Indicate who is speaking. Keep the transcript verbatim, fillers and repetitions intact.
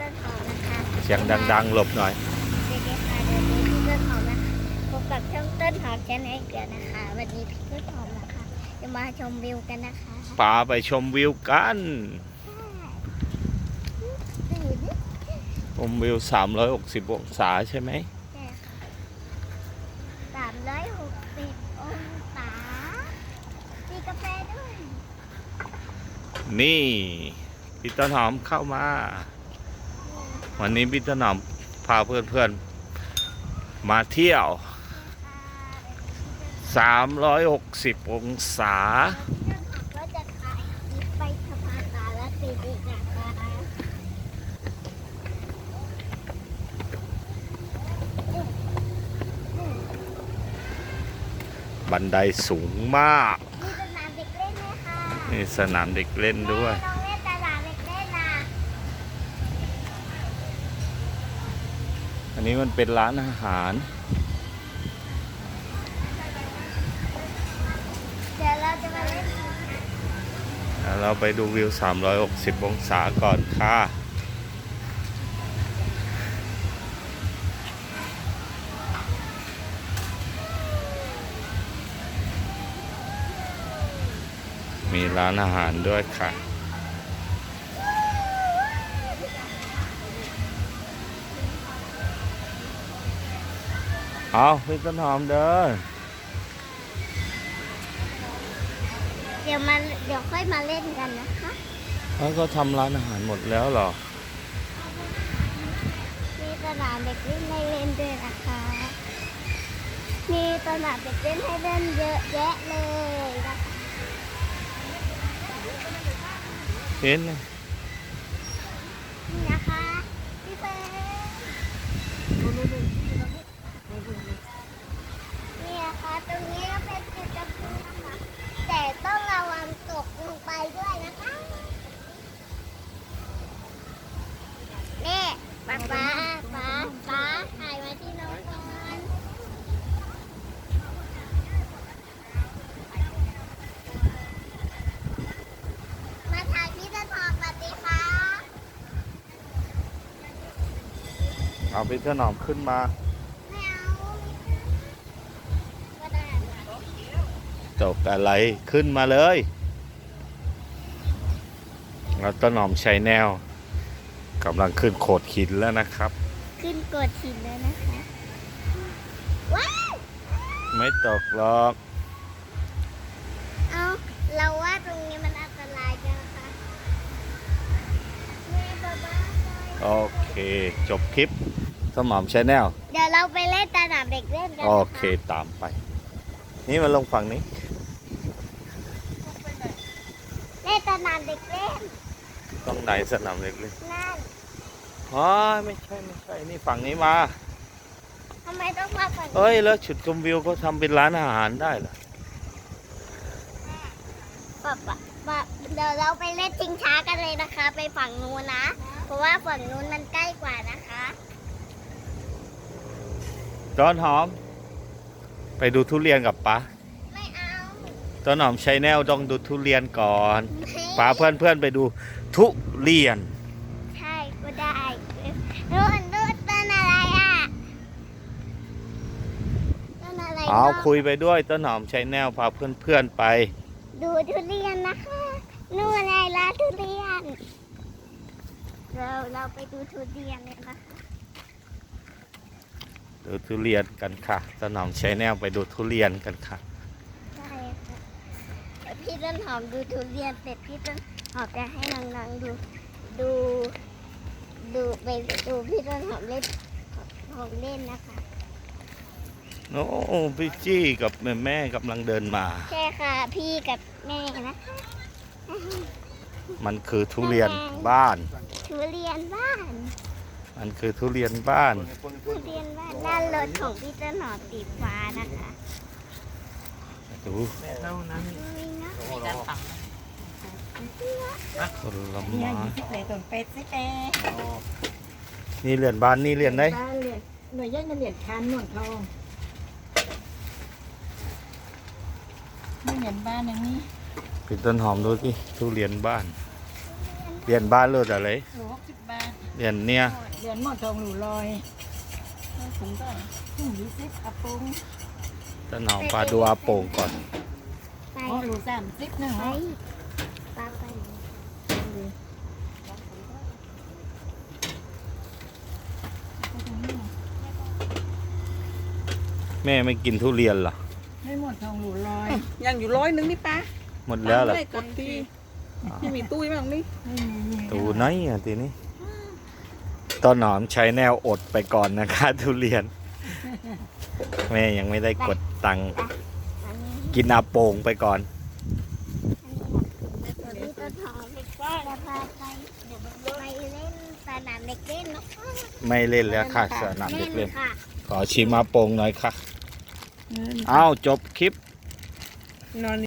Speaker 1: ต้นหอมนะคะ
Speaker 2: เสียงดังๆหลบหน่อย
Speaker 1: เด็กๆค่ะเดี๋ยวนี้พี่ต้นหอมนะคะพบกับช่องต้นหอมแชนแนลเกิดนะคะวันนี้พี่ต้นหอมนะคะจะมาชมวิวกันนะคะ
Speaker 2: พาไปชมวิวกันชมวิวสามร้อยหกสิบองศาใช่ไหม
Speaker 1: ใช่ค่ะสามร้อยหกสิบองศามีกาแฟด้วย
Speaker 2: นี่พี่ต้นหอมเข้ามาวันนี้พี่ต้นหอมพาเพื่อนๆมาเที่ยวสามร้อยหกสิบองศา
Speaker 1: ก็จะขายไปสะพานตาและตีดีนะคะ
Speaker 2: บันไดสูงมาก
Speaker 1: มีสนามเด็กเล่นไหมคะ
Speaker 2: นี่สนามเด็กเล่นด้วย
Speaker 1: ลองเล่นสนามเด็กเล่นนะ
Speaker 2: อันนี้มันเป็นร้านอาหาร
Speaker 1: เดี๋ยวเราจะมาเล่น
Speaker 2: เราไปดูวิวสามร้อยหกสิบองศาก่อนค่ะมีร้านอาหารด้วยค่ะเอาพี่ต้นหอมเดิน
Speaker 1: เดี๋ยวมาเดี๋ยวค่อยมาเล่นกันนะคะ
Speaker 2: แล้วก็ทำร้านอาหารหมดแล้วเหรอ
Speaker 1: มีสนามเด็กเล่นให้เล่นด้วยนะคะมีสนามเด็กเล่นให้เล่นเยอะแยะเลยนะคะ
Speaker 2: เห็นไหม
Speaker 1: นี่นะคะพี่เฟิร์นนี่นะคะตรงนี้ก็เป็นจุดกระพุ้งนะคะแต่ต้องระวังตกลงไปด้วยนะคะนี่ป๊าป๊าป๊าป๊าถ่ายมาที่น้องก่อนมาถ่ายพี่ต้นหอมสวัสดีค่ะ
Speaker 2: เอาพี่ต้นหอมขึ้นมา
Speaker 1: ไม่เอาก็ได้
Speaker 2: ตกอะไรขึ้นมาเลยแล้วต้นหอมใช้แนวกำลังขึ้นโขดหินแล้วนะครับ
Speaker 1: ขึ้นกดหินแล้วนะคะว้าว
Speaker 2: ไม่ตกหรอก
Speaker 1: เอาเราว่าตรงนี้มันอันตรายจังนะคะแม่บ้าบ้า
Speaker 2: โอเคจบคลิปต้นหอมใช้แนว
Speaker 1: เดี๋ยวเราไปเล่นสนามเด็กเล่นกัน
Speaker 2: โอเคตามไปนี่มันลงฝั่งนี้
Speaker 1: เล่นสนามเด็กเล่น
Speaker 2: ตรงไหนสนามเด็กเล่น
Speaker 1: นั่น
Speaker 2: อ๋อไม่ใช่ไม่ใช่นี่ฝั่งนี้มา
Speaker 1: ทำไมต้องมาฝั่งนี้
Speaker 2: เอ้ยแล้วจุดชมวิวก็ทำเป็นร้านอาหารได้เหรอ
Speaker 1: ป๊าป๊าป๊าเดี๋ยวเราไปเล่นชิงช้ากันเลยนะคะ ไปฝั่งนู้นนะเพราะว่าฝั่งนู้นมันใกล้กว่านะคะ
Speaker 2: ต้นหอมไปดูทุเรียนกับป๊า
Speaker 1: ไม่เอา
Speaker 2: ต้นหอมใช้แนวต้องดูทุเรียนก่อนพาเพื่อนเพื่อนไปดูทุเรียน
Speaker 1: ใช่ก็ได้นู่นนู่นต้นอะไรอ่ะต้นอะไร
Speaker 2: เอาคุยไปด้วยต้นหอมใช้แนวพาเพื่อนเพื่อนไป
Speaker 1: ดูทุเรียนนะคะนู่นอะไรร้านทุเรียนเราเราไปดูทุเรียนเลยนะคะ
Speaker 2: ดูทุเรียนกันค่ะต้นหอมใช้แนวไปดูทุเรียนกันค่ะ
Speaker 1: ใช่ค่ะพี่ต้นหอมดูทุเรียนเสร็จพี่ต้นหอมจะให้น้องๆดูดูดูไปดูพี่ต้นหอมเล่นของเล่นนะคะ
Speaker 2: โอ้พี่จี้กับแม่แม่กำลังเดินมา
Speaker 1: ใช่ค่ะพี่กับแม่นะคะ
Speaker 2: มันคือทุเรียนบ้าน
Speaker 1: ทุเรียนบ้าน
Speaker 2: มันคือทุเรียนบ้าน
Speaker 1: ทุเรียนบ้านด้านรถของพี่ต้นหอมสีฟ้านะคะ
Speaker 2: ดู
Speaker 3: เท่านั้นมีการฝัง
Speaker 2: ผลไม้
Speaker 3: เนี่ยยี่สิบเลยต้นเป็ดสิเต้
Speaker 2: นี่เหรียญบ้านนี่เหรียญไหน
Speaker 3: บ้านเหรียญหน่วยย่อยเงินเหรียญคันหน่วยทองนี่เหรียญบ้านอย่างนี้
Speaker 2: พี่ต้นหอมดูสิทุเรียนบ้านเรียนบ้านรู้อะไร
Speaker 3: หนูหกสิบบาท
Speaker 2: เรียนเนี่ย
Speaker 3: เหรียญหมอนทองหนูลอยถุงก็ถุงยี่สิบอาปุง
Speaker 2: ต้นหอมพาดูอาโป่งก่อน
Speaker 1: ไป
Speaker 3: อ๋อหนูสามสิบนะ
Speaker 1: ไป
Speaker 3: ฮะ
Speaker 1: ปลาไป
Speaker 2: แม่ไม่กินทุเรียนเหรอ
Speaker 3: ให้หมอนทองหนูลอย
Speaker 4: ยังอยู่ร้อยหนึงนี่ป้า
Speaker 2: หมดแล้วเหรอ
Speaker 4: ไม่กดที่ที่มีตู้บ้างนี่
Speaker 3: ไม่มีมี
Speaker 2: ตูไหนอ่ะทีนี้ต้นหอมใช้แนวอดไปก่อนนะคะ ทุเรียน แม่ยังไม่ได้กดตังค์
Speaker 1: อันนี้
Speaker 2: กินอาโป่งไปก่อน
Speaker 1: อันนี้ต้นหอมจะพาไปไปเล่นสนามเด็กเล่นเนาะ
Speaker 2: ไม่เล่นแล้วค่ะสนามเด็กเล่น
Speaker 1: ค่ะ
Speaker 2: ขอชิมอาโป่งหน่อยค่ะ อ้าวจบคลิป
Speaker 4: นอน